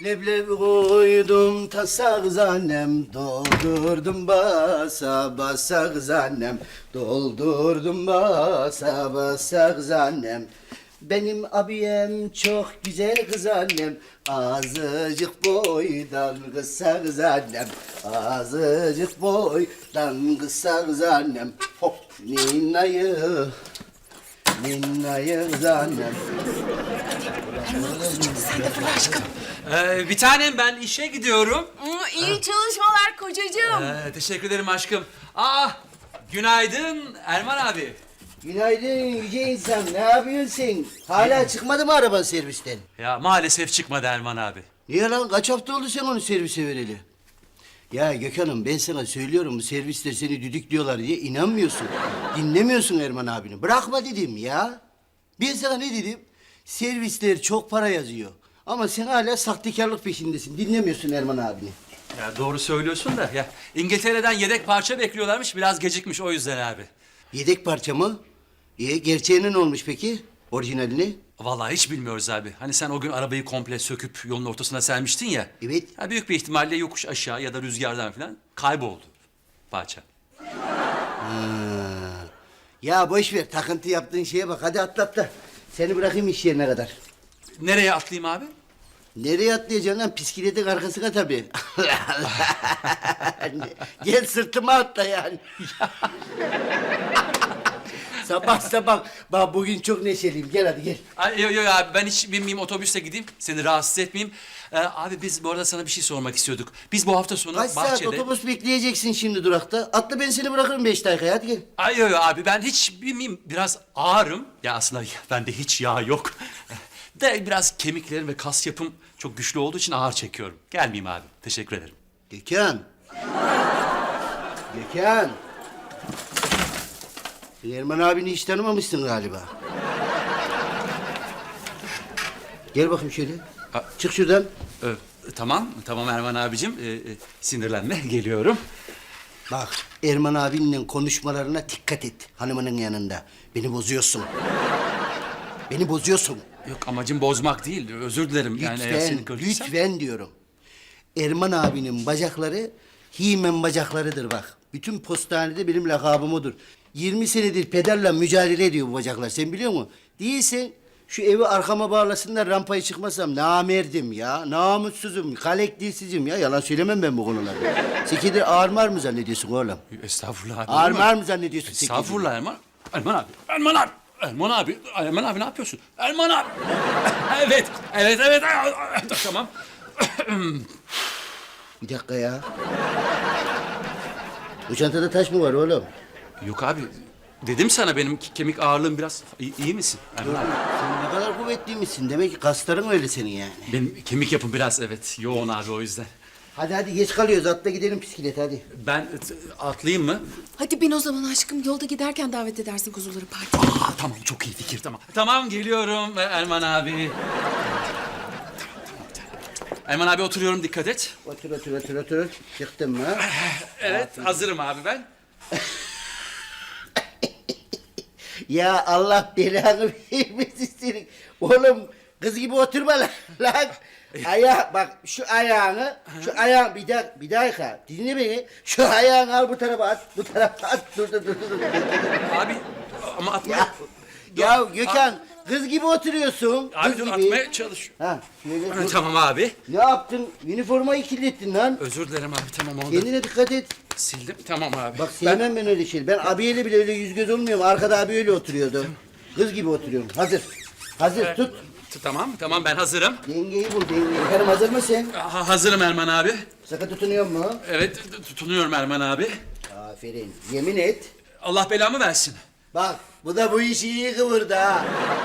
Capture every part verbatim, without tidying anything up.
Leblebi koydum tasa kız annem, doldurdum basa basa kız annem, doldurdum basa basa kız annem. Benim abiyem çok güzel kız annem, azıcık boydan kısa kız annem, azıcık boydan kısa kız annem. Hop ninnayı, ninnayı kız annem. Sen de fırla aşkım. Ee, bir tanem ben işe gidiyorum. iyi çalışmalar kocacığım. Ee, teşekkür ederim aşkım. Aa, günaydın Erman abi. Günaydın yüce insan, ne yapıyorsun sen? Hala çıkmadı mı araban servisten? Ya maalesef çıkmadı Erman abi. Niye lan? Kaç hafta oldu sen onu servise vereli? Ya Gökhan'ım ben sana söylüyorum bu servisler seni düdüklüyorlar diye inanmıyorsun. Dinlemiyorsun Erman abini. Bırakma dedim ya. Ben sana ne dedim? Servisler çok para yazıyor. Ama sen hala sahtekarlık peşindesin. Dinlemiyorsun Erman abini. Ya doğru söylüyorsun da ya İngiltere'den yedek parça bekliyorlarmış, biraz gecikmiş o yüzden abi. Yedek parça mı? E, gerçeğinin ne olmuş peki? Orijinalini? Vallahi hiç bilmiyoruz abi. Hani sen o gün arabayı komple söküp yolun ortasına sermiştin ya. Evet. Ya büyük bir ihtimalle yokuş aşağı ya da rüzgardan falan kayboldu parça. Ya boş ver, takıntı yaptığın şeye bak. Hadi atla atla. Seni bırakayım iş yerine kadar. Nereye atlayayım abi? Nereye atlayacaksın lan? Piskiletin arkasına tabii. Gel sırtıma atla yani. Sabah sabah. Bak bugün çok neşeliyim. Gel hadi gel. Ay, yok yok abi ben hiç binmeyeyim, otobüste gideyim. Seni rahatsız etmeyeyim. Ee, abi biz bu arada sana bir şey sormak istiyorduk. Biz bu hafta sonu Kaç bahçede... saat otobüs bekleyeceksin şimdi durakta? Atla ben seni bırakırım beş dakikaya. Hadi gel. Ay yok yok abi ben hiç binmeyeyim. Biraz ağırım. Ya aslında bende hiç yağ yok. De biraz kemiklerim ve kas yapım çok güçlü olduğu için ağır çekiyorum. Gelmeyeyim abi. Teşekkür ederim. Gökhan. Gökhan. Sen Erman abini hiç tanımamışsın galiba. Gel bakayım şöyle. Ha. Çık şuradan. Ee, tamam, tamam Erman abicim. Ee, e, sinirlenme, geliyorum. Bak Erman abinle konuşmalarına dikkat et hanımının yanında. Beni bozuyorsun. Beni bozuyorsun. Yok amacım bozmak değil. Özür dilerim. Yani eğer Lütfen, seni kırdıysam- lütfen diyorum. Erman abinin bacakları He-Man bacaklarıdır bak. Bütün postanede benim lakabım odur. yirmi senedir pederle mücadele ediyor bu bacaklar. Sen biliyor musun? Değilsen şu evi arkama bağlasınlar rampayı çıkmasam namerdim ya. Namussuzum, kalektilsizim ya. Yalan söylemem ben bu konularda. Sekidir ağırmar mı zannediyorsun oğlum? Estağfurullah abi. Ağırmar mı zannediyorsun sekidir? Estağfurullah Erman. Erman abi. Erman abi. Erman abi. Erman abi ne yapıyorsun? Erman abi. evet. Evet evet. Tamam. Bir dakika ya. Bu çantada taş mı var oğlum? Yok abi. Dedim sana benim ke- kemik ağırlığım biraz... İyi, iyi misin Erman abi? Sen ne kadar kuvvetliymişsin. Demek ki kasların öyle senin yani. Benim kemik yapım biraz evet yoğun abi o yüzden. Hadi hadi geç kalıyoruz. Atla gidelim bisiklet hadi. Ben t- atlayayım mı? Hadi bin o zaman aşkım. Yolda giderken davet edersin kuzuları partiye. Aa, tamam çok iyi fikir tamam. Tamam geliyorum Erman abi. Erman abi oturuyorum dikkat et. Otur otur otur otur. Çıktın mı? Evet hazırım abi ben. Ya Allah belanı vermesin senin. Oğlum kız gibi oturma lan. lan. Aya bak şu ayağını, şu ayağın bir dakika, bir dakika dinle beni. Şu ayağını al bu tarafa at, bu tarafa at. Dur dur dur dur. dur. Abi ama atma. Ya, ya Gökhan kız gibi oturuyorsun. Abi Kız dur gibi. atmaya çalış. Ha, şöyle Ha, dur. tamam abi. Ne yaptın? Üniformayı kirlettin lan. Özür dilerim abi tamam oldu. Kendine dikkat et. Sildim tamam abi. Bak sevmem ben öyle şey. Ben abiyle bile öyle yüz göz olmuyorum. Arkada abi öyle oturuyordu. Kız gibi oturuyorum. Hazır. Hazır tut. T- Tamam tamam ben hazırım. Dengeyi bul dengeyi. Efendim hazır mısın? Ha, hazırım Erman abi. Sıkı tutunuyor mu? Evet t- tutunuyorum Erman abi. Aferin. Yemin et. Allah belamı versin. Bak bu da bu işi iyi kıvırdı ha.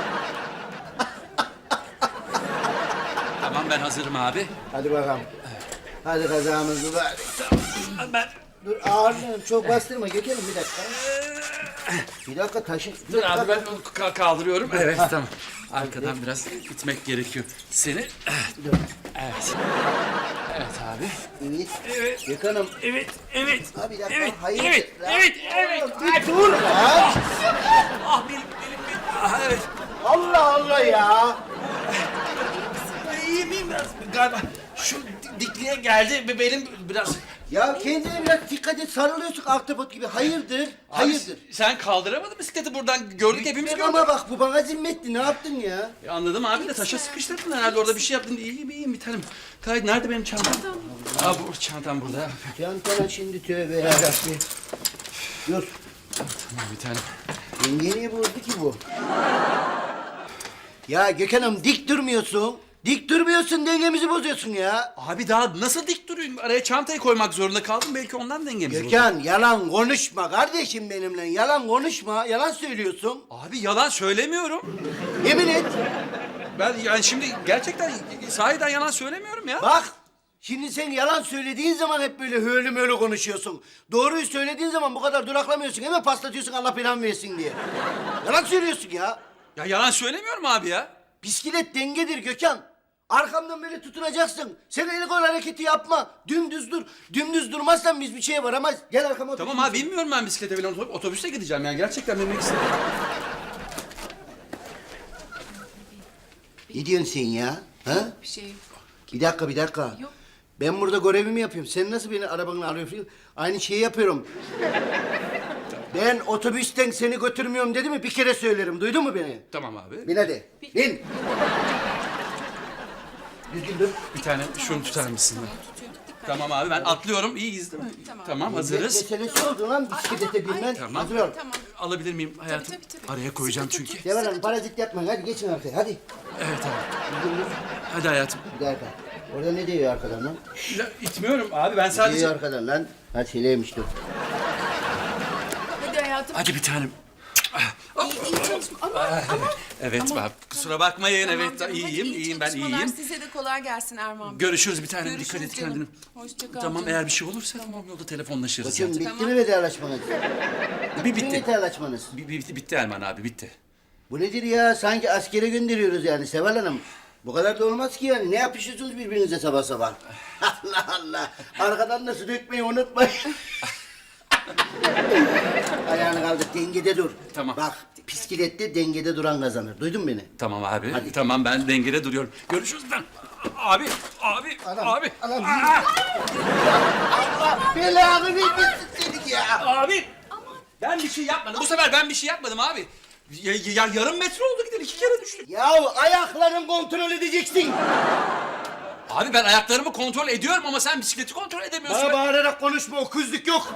Tamam ben hazırım abi. Hadi bakalım. Hadi kazamızı ver. Ben Dur ağırlığını çok bastırma. Gökelim bir dakika. Bir dakika taşı. dur abi ben ka- kaldırıyorum. Evet tamam. Arkadan biraz itmek gerekiyor. Seni. Dur. Evet. Evet abi. Evet. Evet. Gökhan'ım. Evet, evet. Ha bir dakika. Evet, hayır. evet, Lan. evet, evet. Oğlum, Bir dur lan. Ah benim, benim, benim. Ah, evet. Allah Allah ya. İyiyim, miyim biraz? Galiba şu di- dikliğe geldi ve benim biraz... Ya kendine biraz dikkat et, sarılıyorsun ahtapot gibi. Hayırdır? Abi, Hayırdır? sen kaldıramadın bisikleti buradan. Gördük hepimiz Bek gördük. ama bak bu bana zimmetti. Ne yaptın ya? Ya anladım abi de taşa sıkıştırdın herhalde orada bir şey yaptın. İyiyim iyiyim bir tanem. Kayıt nerede benim çantam? Aa bu çantam burada. Çantana şimdi tövbe yarabbim. Dur. Tamam bir tanem. Yenge niye bozdu ki bu? Ya Gökhan'ım dik durmuyorsun. Dik durmuyorsun, dengemizi bozuyorsun ya. Abi daha nasıl dik durayım? Araya çantayı koymak zorunda kaldım. Belki ondan dengemiz bozuldu. Gökhan yalan konuşma kardeşim benimle. Yalan konuşma. Yalan söylüyorsun. Abi yalan söylemiyorum. Yemin et. Ben yani şimdi gerçekten sahiden yalan söylemiyorum ya. Bak. Şimdi sen yalan söylediğin zaman hep böyle höylü möylü konuşuyorsun. Doğruyu söylediğin zaman bu kadar duraklamıyorsun. Hemen paslatıyorsun Allah belanı versin diye. Yalan söylüyorsun ya. Ya yalan söylemiyorum abi ya. Bisiklet dengedir Gökhan. Arkamdan böyle tutunacaksın. Sen el kol hareketi yapma. Dümdüz dur. Dümdüz durmazsan biz bir şeye varamayız. Gel arkama otur. Tamam abi bilmiyorum ben bisiklete falan otobüse otobüste gideceğim yani gerçekten binmek istedim. Ne diyorsun sen ya? Ha? Bir şey yok. Bir dakika bir dakika. Yok. Ben burada görevimi yapıyorum. Sen nasıl beni arabanla alıyorsun? Aynı şeyi yapıyorum. Ben otobüsten seni götürmüyorum dedi mi bir kere söylerim. Duydun mu beni? Tamam abi. Bin hadi. Bin. Düzgün dur. Bir tane şunu tutar mısın? Tamam, tutuyorum. Dikkat. Tamam abi ben atlıyorum. İyiyiz değil mi? Tamam, hazırız. Meselesi oldu lan bisiklete binmen. Tamam. Hazır ol. Tamam. Alabilir miyim hayatım? tabii, tabii. Araya koyacağım Sıkı çünkü. tut. Devam Hanım parazit yapmayın. Hadi geçin arkaya hadi. Evet abi. Düzgün dur. Hadi hayatım. Bir dakika. Orada ne diyor arkadan lan? Ya, itmiyorum abi ben Ne sadece... diyor arkadan lan? Ha şeyleymiş dur. Hadi hayatım. Hadi bir tanem. İyi, iyi çalışma. Ama, ama. Evet Ama- abi kusura bakmayın Tamam evet canım, hadi iyiyim iyi iyiyim ben çalışmalar. iyiyim. Size de kolay gelsin Erman Bey. Görüşürüz bir tanem Görüşürüz dikkat et canım. kendine. Hoşça kal Tamam canım. eğer bir şey olursa tamam yolda telefonlaşırız. Koçum zaten. bitti mi vedalaşmanız? Bir Bitti mi bitti. vedalaşmanız? Bir, bitti, bitti Erman abi bitti. Bu nedir ya? Sanki askere gönderiyoruz yani Seval Hanım. Bu kadar da olmaz ki yani. Ne yapışıyorsunuz birbirinize sabah sabah? Allah Allah. Arkadan nasıl dökmeyi unutmayın. Ayağını kaldır, dengede dur. Tamam. Bak, bisiklette dengede duran kazanır. Duydun mu beni? Tamam abi Hadi. tamam ben dengede duruyorum. Görüşürüz ben. Abi abi Anam, abi. anam. Aa, Allah belanı vermesin seni ya. abi. Ben bir şey yapmadım. Bu sefer ben bir şey yapmadım abi. Ya, ya- yarım metre oldu gidelim iki kere düştük. Ya ayakların kontrol edeceksin. Abi ben ayaklarımı kontrol ediyorum ama sen bisikleti kontrol edemiyorsun. Bana bağırarak konuşma, o kızlık yok.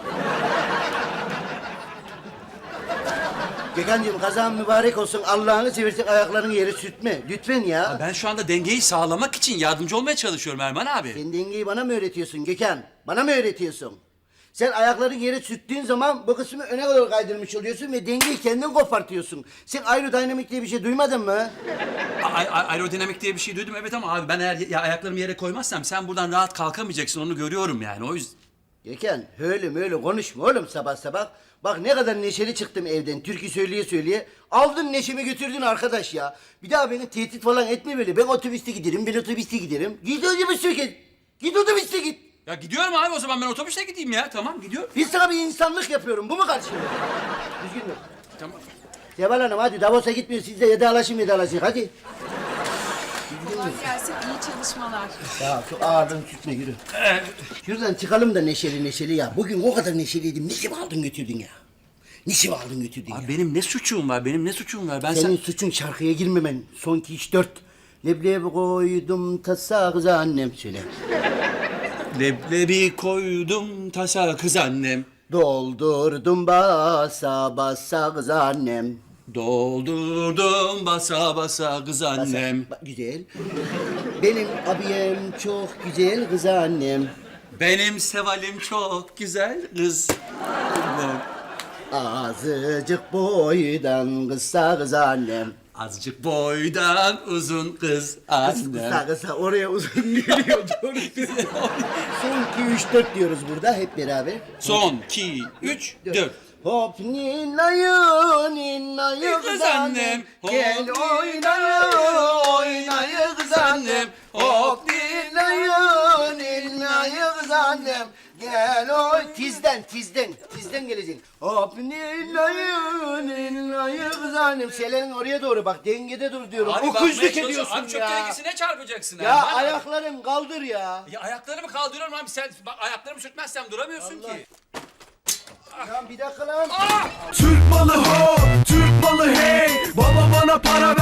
Gökhan'cığım kazan mübarek olsun. Allah'ını seversen ayaklarını yere sürtme. Lütfen ya. Ben şu anda dengeyi sağlamak için yardımcı olmaya çalışıyorum Erman abi. Sen dengeyi bana mı öğretiyorsun Gökhan? Bana mı öğretiyorsun? Sen ayakların yere sürttüğün zaman bu kısmı öne kadar kaydırmış oluyorsun ve dengeyi kendin kopartıyorsun. Sen aerodinamik diye bir şey duymadın mı? A- a- aerodinamik diye bir şey duydum evet ama abi ben eğer ya ayaklarımı yere koymazsam sen buradan rahat kalkamayacaksın onu görüyorum yani o yüzden. Gökhan öyle öyle konuşma oğlum sabah sabah. Bak ne kadar neşeli çıktım evden türkü söyleye söyleye. Aldın neşemi götürdün arkadaş ya. Bir daha beni tehdit falan etme böyle. Ben otobüste giderim, ben otobüste giderim. Git otobüste git. Git otobüste git. Ya gidiyorum abi o zaman ben otobüste gideyim ya tamam gidiyorum. Biz sana bir insanlık yapıyorum. Bu mu karşılığı? Düzgün dur. Tamam. Seval Hanım hadi Davos'a gitmiyor. Siz de vedalaşın vedalaşın hadi. Kolay gelsin. İyi çalışmalar. Ya şu ağırlığını tutma yürü. Şuradan çıkalım da neşeli neşeli ya. Bugün o kadar neşeliydim. Niçin aldın götürdün ya? Niçin aldın götürdün ya? Abi benim ne suçum var benim ne suçum var ben Senin sen... suçun şarkıya girmemen. Son iki, üç, dört. Leblebi koydum tasa kız annem söyle. Leblebi koydum tasa kız annem. Doldurdum basa basa kız annem. Doldurdum basa basa kız Basa- annem. Bak, güzel. Benim abiyem çok güzel kız annem. Benim Seval'im çok güzel kız. Azıcık boydan kısa kız annem. Azıcık boydan uzun kız Kısa annem. kısa oraya uzun geliyor. Doğru. Son iki, üç, dört diyoruz burada hep beraber. Son, iki, üç, dört. Hop ninayı ninayı Kız kız annem, annem. hop Gel oynayı oynayı kız annem. Hop ninayı ninayı kız annem. Gel o tizden tizden tizden geleceksin. Hop nilayı nilayı kızanım. Selenin oraya doğru bak dengede dur diyorum. Abi Okuzluk bakmaya çalışıyorum. ediyorsun Abi çok ya. gerekirse çarpacaksın Ya abi? Bana- ayakların kaldır ya. Ya ayaklarımı kaldırıyorum abi sen bak, ayaklarımı sürtmezsem duramıyorsun ki. Ya bir dakika lan. Türk malı ho, Türk malı hey. Baba bana para